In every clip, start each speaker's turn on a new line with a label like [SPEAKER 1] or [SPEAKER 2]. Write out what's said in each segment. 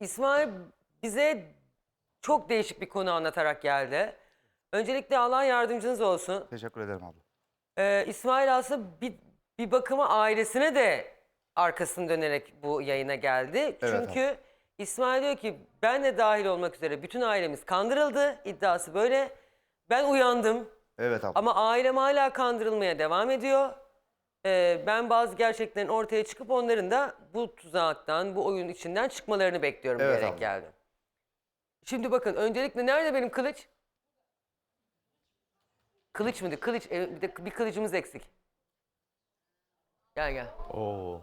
[SPEAKER 1] İsmail bize çok değişik bir konu anlatarak geldi. Öncelikle Allah yardımcınız olsun.
[SPEAKER 2] Teşekkür ederim abla.
[SPEAKER 1] İsmail aslında bir bakıma ailesine de arkasını dönerek bu yayına geldi.
[SPEAKER 2] Evet,
[SPEAKER 1] Çünkü İsmail diyor ki ben de dahil olmak üzere bütün ailemiz kandırıldı. İddiası böyle. Ben uyandım
[SPEAKER 2] Evet abla.
[SPEAKER 1] ama ailem hala kandırılmaya devam ediyor. Ben bazı gerçeklerin ortaya çıkıp onların da bu tuzaktan, bu oyun içinden çıkmalarını bekliyorum
[SPEAKER 2] Evet
[SPEAKER 1] diyerek
[SPEAKER 2] abla.
[SPEAKER 1] geldim. Şimdi bakın öncelikle nerede benim kılıç? Kılıç mıydı? Kılıç. Bir kılıcımız eksik. Gel gel.
[SPEAKER 3] Oo.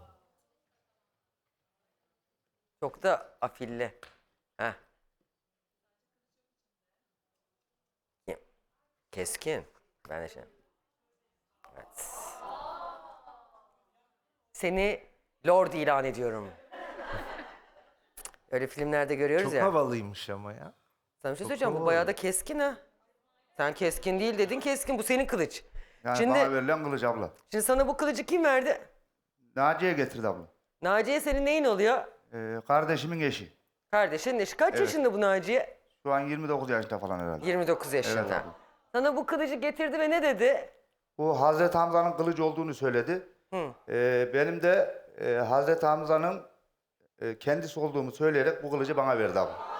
[SPEAKER 1] Çok da afilli. Heh. Keskin. Ben de şey. Evet. Seni Lord ilan ediyorum. Öyle filmlerde görüyoruz
[SPEAKER 3] Çok
[SPEAKER 1] ya.
[SPEAKER 3] havalıymış ama ya.
[SPEAKER 1] Sana bir şey
[SPEAKER 3] çok
[SPEAKER 1] söyleyeceğim. Bu
[SPEAKER 3] havalı.
[SPEAKER 1] bayağı da keskin ha. Sen keskin değil dedin, keskin. Bu senin kılıç.
[SPEAKER 2] Yani
[SPEAKER 1] Şimdi,
[SPEAKER 2] bana verilen kılıç abla.
[SPEAKER 1] şimdi sana bu kılıcı kim verdi?
[SPEAKER 2] Naciye getirdi abla.
[SPEAKER 1] Naciye senin neyin oluyor?
[SPEAKER 2] Kardeşimin eşi.
[SPEAKER 1] Kardeşin eşi. Kaç
[SPEAKER 2] Evet.
[SPEAKER 1] yaşında bu Naciye?
[SPEAKER 2] Şu an 29 yaşında falan herhalde.
[SPEAKER 1] 29 yaşında.
[SPEAKER 2] Evet abla.
[SPEAKER 1] Sana bu kılıcı getirdi ve ne dedi?
[SPEAKER 2] Bu Hazreti Hamza'nın kılıcı olduğunu söyledi. Benim de Hazreti Hamza'nın kendisi olduğumu söyleyerek bu kılıcı bana verdi abla.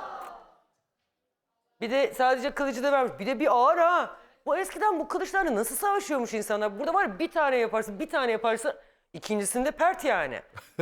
[SPEAKER 1] Bir de sadece kılıcı da vermiş. Bir de bir ağır ha. Bu eskiden bu kılıçlarla nasıl savaşıyormuş insanlar? Burada var ya bir tane yaparsın, bir tane yaparsın. İkincisinde pert yani.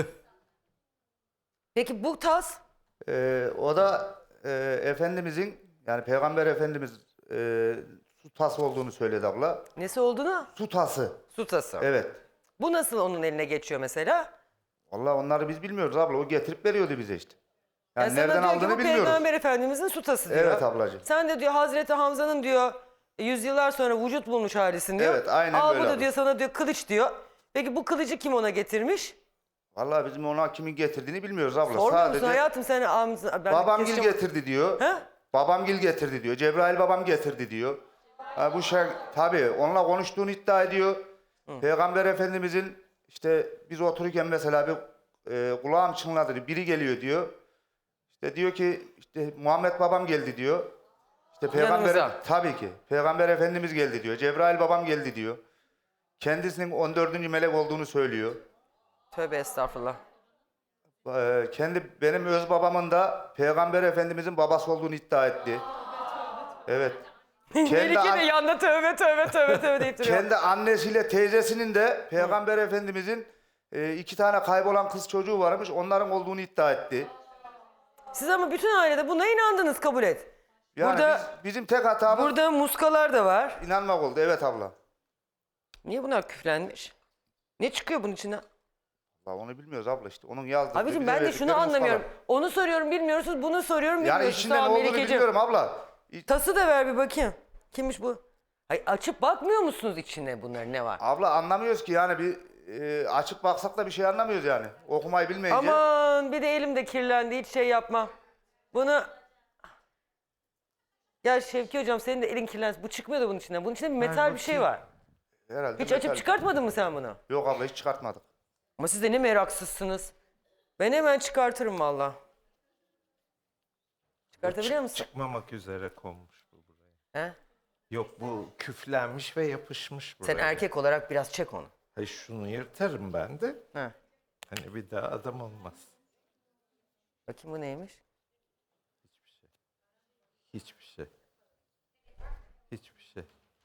[SPEAKER 1] Peki bu tas?
[SPEAKER 2] O da Efendimizin yani Peygamber Efendimiz su tası olduğunu söyledi abla.
[SPEAKER 1] Nesi olduğunu?
[SPEAKER 2] Su tası.
[SPEAKER 1] Su tası.
[SPEAKER 2] Evet.
[SPEAKER 1] Bu nasıl onun eline geçiyor mesela?
[SPEAKER 2] Vallahi onları biz bilmiyoruz abla. O getirip veriyordu bize işte. Yani
[SPEAKER 1] sana
[SPEAKER 2] nereden
[SPEAKER 1] diyor ki
[SPEAKER 2] aldığını
[SPEAKER 1] bu
[SPEAKER 2] bilmiyoruz.
[SPEAKER 1] Peygamber Efendimizin su tası diyor.
[SPEAKER 2] Evet ablacığım.
[SPEAKER 1] Sen de diyor Hazreti Hamza'nın diyor yüzyıllar sonra vücut bulmuş halisin diyor.
[SPEAKER 2] Evet, aynen
[SPEAKER 1] Al
[SPEAKER 2] böyle
[SPEAKER 1] bu da
[SPEAKER 2] abla.
[SPEAKER 1] diyor sana diyor kılıç diyor. Peki bu kılıcı kim ona getirmiş?
[SPEAKER 2] Vallahi bizim ona kimin getirdiğini bilmiyoruz abla.
[SPEAKER 1] Sormuyor musun
[SPEAKER 2] Sadece
[SPEAKER 1] hayatım sen ben
[SPEAKER 2] babamgil
[SPEAKER 1] keseceğim-
[SPEAKER 2] getirdi diyor.
[SPEAKER 1] He?
[SPEAKER 2] Babamgil getirdi diyor. Cebrail babam getirdi diyor. Ha, bu şey tabii onunla konuştuğunu iddia ediyor. Peygamber Efendimizin işte biz otururken mesela bir kulağım çınladı diyor. Biri geliyor diyor. İşte diyor ki işte Muhammed babam geldi diyor. İşte Peygamber
[SPEAKER 1] Yanınıza.
[SPEAKER 2] tabii ki Peygamber Efendimiz geldi diyor. Cebrail babam geldi diyor. Kendisinin 14. melek olduğunu söylüyor.
[SPEAKER 1] Tövbe estağfurullah.
[SPEAKER 2] Benim öz babamın da Peygamber Efendimizin babası olduğunu iddia etti. Evet.
[SPEAKER 1] Melike de
[SPEAKER 2] an-
[SPEAKER 1] yanında tövbe tövbe tövbe tövbe deyip duruyor.
[SPEAKER 2] Kendi annesiyle teyzesinin de Peygamber Efendimizin 2 tane kaybolan kız çocuğu varmış. Onların olduğunu iddia etti.
[SPEAKER 1] Siz ama bütün ailede buna inandınız kabul et.
[SPEAKER 2] Yani
[SPEAKER 1] Burada-
[SPEAKER 2] bizim tek hatamız
[SPEAKER 1] Burada muskalar da var.
[SPEAKER 2] inanmak oldu. Evet abla.
[SPEAKER 1] Niye bunlar küflenmiş? Ne çıkıyor bunun içinden?
[SPEAKER 2] Vallahi onu bilmiyoruz abla işte. Onun yazdığı.
[SPEAKER 1] Abicim
[SPEAKER 2] bize
[SPEAKER 1] ben de
[SPEAKER 2] verdikleri
[SPEAKER 1] şunu anlamıyorum.
[SPEAKER 2] muskalar.
[SPEAKER 1] Onu soruyorum bilmiyorsunuz, bunu soruyorum
[SPEAKER 2] Yani
[SPEAKER 1] bilmiyorsunuz.
[SPEAKER 2] içinde ne
[SPEAKER 1] Tamam,
[SPEAKER 2] olduğunu
[SPEAKER 1] Melike'ciğim.
[SPEAKER 2] bilmiyorum abla.
[SPEAKER 1] Tası da ver bir bakayım. Kimmiş bu? Ay açıp bakmıyor musunuz içinde bunların ne var?
[SPEAKER 2] Abla anlamıyoruz ki yani bir açıp baksak da bir şey anlamıyoruz yani. Okumayı bilmeyince.
[SPEAKER 1] Aman bir de elim de kirlendi hiç şey yapma. Bunu... Ya Şevki hocam senin de elin kirlensin. Bu çıkmıyor da bunun içinden. Bunun içinde bir metal bir şey var.
[SPEAKER 2] Herhalde
[SPEAKER 1] Hiç
[SPEAKER 2] metal.
[SPEAKER 1] açıp çıkartmadın mı sen bunu?
[SPEAKER 2] Yok abla hiç çıkartmadık.
[SPEAKER 1] Ama siz de ne meraksızsınız. Ben hemen çıkartırım valla. Çıkartabiliyor musun?
[SPEAKER 3] Çıkmamak üzere konmuş bu buraya.
[SPEAKER 1] He?
[SPEAKER 3] Yok bu küflenmiş ve yapışmış buraya.
[SPEAKER 1] Sen erkek olarak biraz çek onu.
[SPEAKER 3] Hayır şunu yırtarım ben de.
[SPEAKER 1] He.
[SPEAKER 3] Hani bir daha adam olmaz.
[SPEAKER 1] Bakayım bu neymiş?
[SPEAKER 3] Hiçbir şey. Hiçbir şey.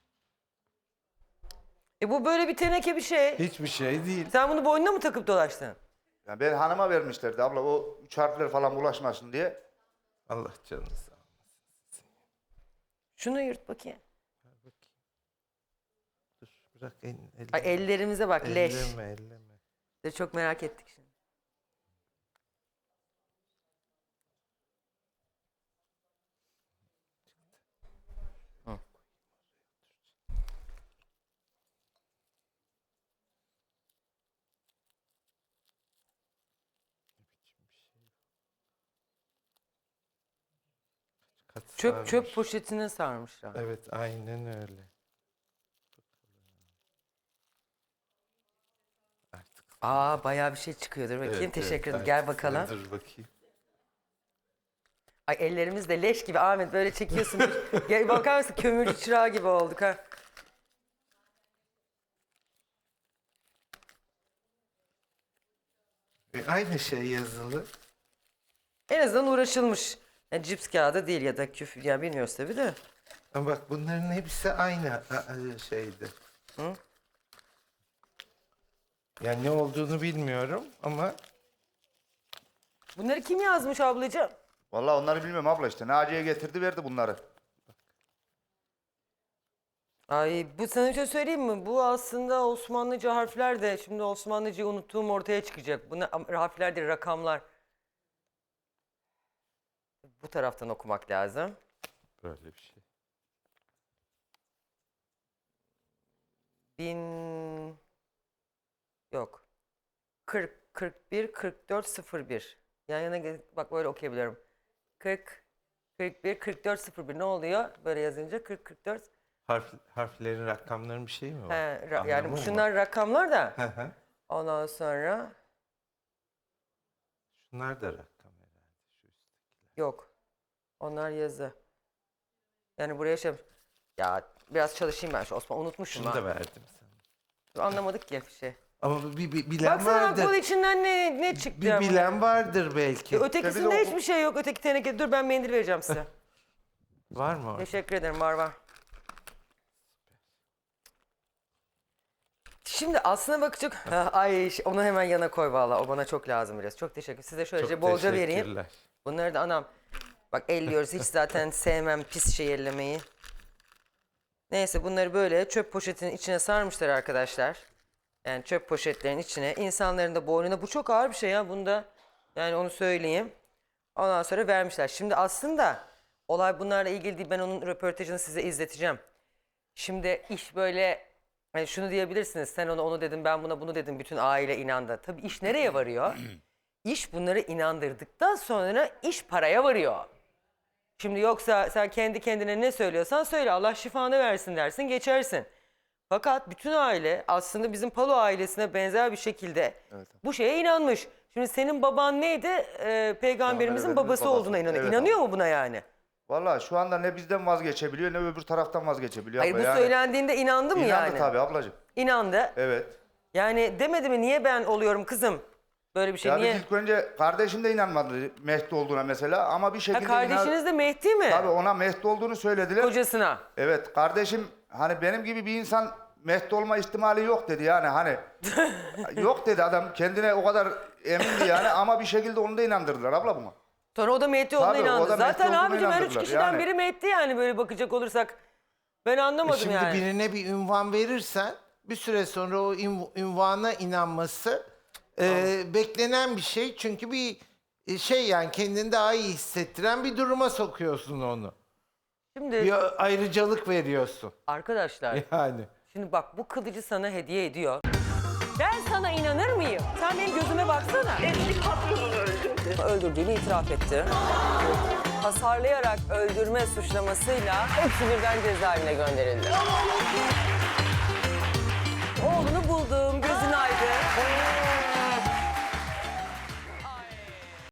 [SPEAKER 1] Bu böyle bir teneke bir şey.
[SPEAKER 3] Hiçbir şey değil.
[SPEAKER 1] Sen bunu boynuna mı takıp dolaştın?
[SPEAKER 2] Yani ben hanıma vermişlerdi abla o 3 harfler falan bulaşmasın diye.
[SPEAKER 3] Allah canını sağ olsun.
[SPEAKER 1] Şunu yırt bakayım.
[SPEAKER 3] Ver bakayım. Dur bırak elini.
[SPEAKER 1] Ay ellerimize bak leş.
[SPEAKER 3] Elleme elleme.
[SPEAKER 1] De çok merak ettik şimdi. Hı.
[SPEAKER 3] Kaç
[SPEAKER 1] Çöp
[SPEAKER 3] sarmış.
[SPEAKER 1] poşetine sarmışlar.
[SPEAKER 3] Evet aynen öyle. Artık.
[SPEAKER 1] Aa bayağı bir şey çıkıyordur bakayım.
[SPEAKER 3] Evet,
[SPEAKER 1] Teşekkür ederim.
[SPEAKER 3] evet,
[SPEAKER 1] Gel
[SPEAKER 3] artık
[SPEAKER 1] bakalım.
[SPEAKER 3] Dur bakayım.
[SPEAKER 1] Ay ellerimiz de leş gibi Ahmet böyle çekiyorsun. Gel bakar mısın kömürcü çırağı gibi olduk ha.
[SPEAKER 3] Aynı şey yazılı.
[SPEAKER 1] En azından uğraşılmış. Yani cips kağıdı değil ya da küf ya bilmiyoruz tabii de.
[SPEAKER 3] Ama bak bunların hepsi aynı şeydi.
[SPEAKER 1] Hı?
[SPEAKER 3] Yani ne olduğunu bilmiyorum ama
[SPEAKER 1] Bunları kim yazmış ablacığım?
[SPEAKER 2] Vallahi onları bilmiyorum abla işte. Naciye getirdi verdi bunları.
[SPEAKER 1] Ay bu sana bir şey söyleyeyim mi? Bu aslında Osmanlıca harfler de şimdi Osmanlıcayı unuttuğum ortaya çıkacak. Bunlar harfler değil rakamlar. Bu taraftan okumak lazım.
[SPEAKER 3] böyle bir şey.
[SPEAKER 1] 1000 yok. 40 41 44 01. Yan yana bak böyle okuyabiliyorum. 40 41 44 01 ne oluyor? Böyle yazınca 40 44.
[SPEAKER 3] Harflerin, rakamların bir şeyi mi var?
[SPEAKER 1] Yani
[SPEAKER 3] Anlamı mı
[SPEAKER 1] şunlar rakamlar da.
[SPEAKER 3] var? Hı hı.
[SPEAKER 1] Ondan sonra
[SPEAKER 3] Şunlar da rakam herhalde. Şu üsttekiler.
[SPEAKER 1] yok. Onlar yazı. Yani buraya şey ya biraz çalışayım ben şu Osman unutmuşum
[SPEAKER 3] Şunu
[SPEAKER 1] ha.
[SPEAKER 3] da verdim sana.
[SPEAKER 1] Anlamadık ki bir şey.
[SPEAKER 3] Ama bir bilen
[SPEAKER 1] Baksana
[SPEAKER 3] vardır.
[SPEAKER 1] kol içinden ne çıktı
[SPEAKER 3] Bir
[SPEAKER 1] ama.
[SPEAKER 3] bilen vardır belki.
[SPEAKER 1] Ötekisinde hiçbir şey yok. Öteki teneke. Dur ben mendil vereceğim size.
[SPEAKER 3] Var mı orada?
[SPEAKER 1] Teşekkür ederim var. Şimdi aslına bakacak. Ay onu hemen yana koy valla. O bana çok lazım biraz. Çok teşekkür. Size şöylece
[SPEAKER 3] Çok
[SPEAKER 1] bolca vereyim.
[SPEAKER 3] teşekkürler.
[SPEAKER 1] Bunları da anam. Bak elliyoruz. Hiç zaten sevmem pis şey ellemeyi. Neyse bunları böyle çöp poşetinin içine sarmışlar arkadaşlar. Yani çöp poşetlerin içine. İnsanların da boynuna. Bu çok ağır bir şey ya. Bunda yani onu söyleyeyim. Ondan sonra vermişler. Şimdi aslında olay bunlarla ilgili değil. Ben onun röportajını size izleteceğim. Şimdi iş böyle hani şunu diyebilirsiniz. Sen onu dedin ben buna bunu dedim. Bütün aile inandı. Tabii iş nereye varıyor? İş bunları inandırdıktan sonra iş paraya varıyor. Şimdi yoksa sen kendi kendine ne söylüyorsan söyle Allah şifanı versin dersin geçersin. Fakat bütün aile aslında bizim Palo ailesine benzer bir şekilde bu şeye inanmış. Şimdi senin baban neydi? Peygamberimizin babası olduğuna inanıyor.
[SPEAKER 2] Evet
[SPEAKER 1] İnanıyor
[SPEAKER 2] abi.
[SPEAKER 1] mu buna yani?
[SPEAKER 2] Vallahi şu anda ne bizden vazgeçebiliyor ne öbür taraftan vazgeçebiliyor.
[SPEAKER 1] Hayır
[SPEAKER 2] abla.
[SPEAKER 1] bu
[SPEAKER 2] Yani
[SPEAKER 1] söylendiğinde inandı mı
[SPEAKER 2] İnandı
[SPEAKER 1] yani?
[SPEAKER 2] tabii ablacığım.
[SPEAKER 1] İnandı.
[SPEAKER 2] Evet.
[SPEAKER 1] Yani demedi mi niye ben oluyorum kızım? Böyle bir şey
[SPEAKER 2] Ya
[SPEAKER 1] niye?
[SPEAKER 2] biz ilk önce kardeşim de inanmadı Mehdi olduğuna mesela ama bir
[SPEAKER 1] Ha,
[SPEAKER 2] şekilde
[SPEAKER 1] kardeşiniz de Mehdi mi?
[SPEAKER 2] Tabii ona Mehdi olduğunu söylediler.
[SPEAKER 1] Kocasına.
[SPEAKER 2] Evet kardeşim hani benim gibi bir insan Mehdi olma ihtimali yok dedi yani hani. Yok dedi adam kendine o kadar emindi yani ama bir şekilde onu da inandırdılar abla buna.
[SPEAKER 1] Sonra o da Mehdi olduğuna
[SPEAKER 2] Tabii, o
[SPEAKER 1] inandı.
[SPEAKER 2] da Mehdi
[SPEAKER 1] Zaten
[SPEAKER 2] olduğuna
[SPEAKER 1] abicim her üç
[SPEAKER 2] inandırdılar.
[SPEAKER 1] kişiden
[SPEAKER 2] Yani.
[SPEAKER 1] biri Mehdi yani böyle bakacak olursak. Ben anlamadım
[SPEAKER 3] Şimdi
[SPEAKER 1] yani.
[SPEAKER 3] birine bir ünvan verirsen bir süre sonra o ünvana inanması beklenen bir şey. Çünkü bir şey yani kendini daha iyi hissettiren bir duruma sokuyorsun onu.
[SPEAKER 1] Şimdi
[SPEAKER 3] Bir ayrıcalık veriyorsun.
[SPEAKER 1] arkadaşlar
[SPEAKER 3] Yani.
[SPEAKER 1] şimdi bak bu kılıcı sana hediye ediyor. Ben sana inanır mıyım? Sen benim gözüme baksana.
[SPEAKER 4] Eski patronunu öldürdü.
[SPEAKER 1] Öldürdüğünü itiraf etti. Hasarlayarak öldürme suçlamasıyla hepsi birden cezaevine gönderildi. Oğlunu buldum, gözün aydın.